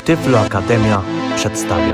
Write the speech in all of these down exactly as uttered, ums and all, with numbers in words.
Tyflo Akademia przedstawia.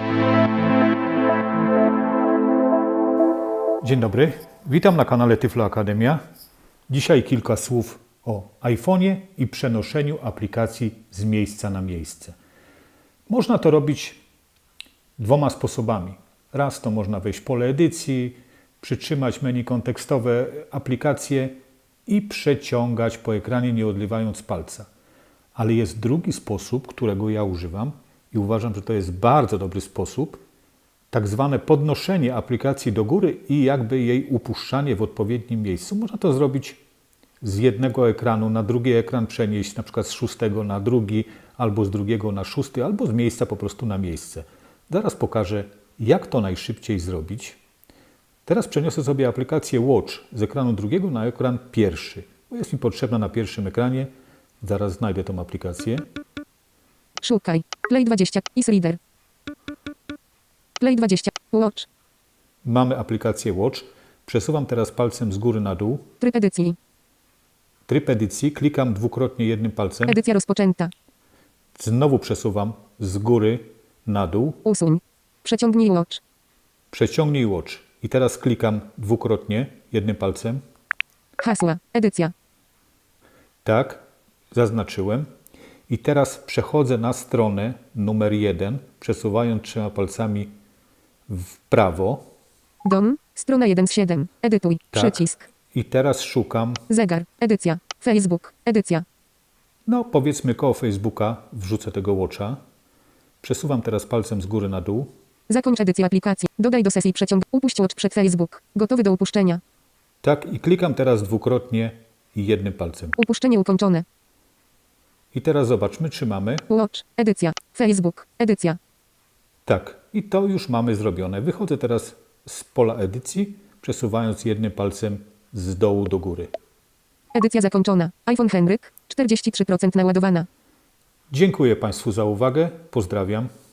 Dzień dobry, witam na kanale Tyflo Akademia. Dzisiaj kilka słów o iPhone'ie i przenoszeniu aplikacji z miejsca na miejsce. Można to robić dwoma sposobami. Raz to można wejść w pole edycji, przytrzymać menu kontekstowe aplikacje i przeciągać po ekranie, nie odlewając palca. Ale jest drugi sposób, którego ja używam i uważam, że to jest bardzo dobry sposób, tak zwane podnoszenie aplikacji do góry i jakby jej upuszczanie w odpowiednim miejscu. Można to zrobić z jednego ekranu na drugi ekran, przenieść na przykład z szóstego na drugi, albo z drugiego na szósty, albo z miejsca po prostu na miejsce. Zaraz pokażę, jak to najszybciej zrobić. Teraz przeniosę sobie aplikację Watch z ekranu drugiego na ekran pierwszy, bo jest mi potrzebna na pierwszym ekranie. Zaraz znajdę tą aplikację. Szukaj. Play dwadzieścia. Easy Reader. Play dwadzieścia. Watch. Mamy aplikację Watch. Przesuwam teraz palcem z góry na dół. Tryb edycji. Tryb edycji. Klikam dwukrotnie jednym palcem. Edycja rozpoczęta. Znowu przesuwam z góry na dół. Usuń. Przeciągnij Watch. Przeciągnij Watch. I teraz klikam dwukrotnie jednym palcem. Hasła. Edycja. Tak, zaznaczyłem. I teraz przechodzę na stronę numer jeden, przesuwając trzema palcami w prawo. Dom. Strona jeden z siedem. Edytuj. Tak. Przycisk. I teraz szukam, Zegar. Edycja. Facebook. Edycja. no powiedzmy koło Facebooka, wrzucę tego Watcha. Przesuwam teraz palcem z góry na dół. Zakończ edycję aplikacji. Dodaj do sesji przeciąg. Upuść Watch przed Facebook. Gotowy do upuszczenia. Tak, i klikam teraz dwukrotnie i jednym palcem. Upuszczenie ukończone. I teraz zobaczmy, czy mamy. Watch. Edycja. Facebook. Edycja. Tak, i to już mamy zrobione. Wychodzę teraz z pola edycji, przesuwając jednym palcem z dołu do góry. Edycja zakończona. iPhone Henryk. czterdzieści trzy procent naładowana. Dziękuję Państwu za uwagę. Pozdrawiam.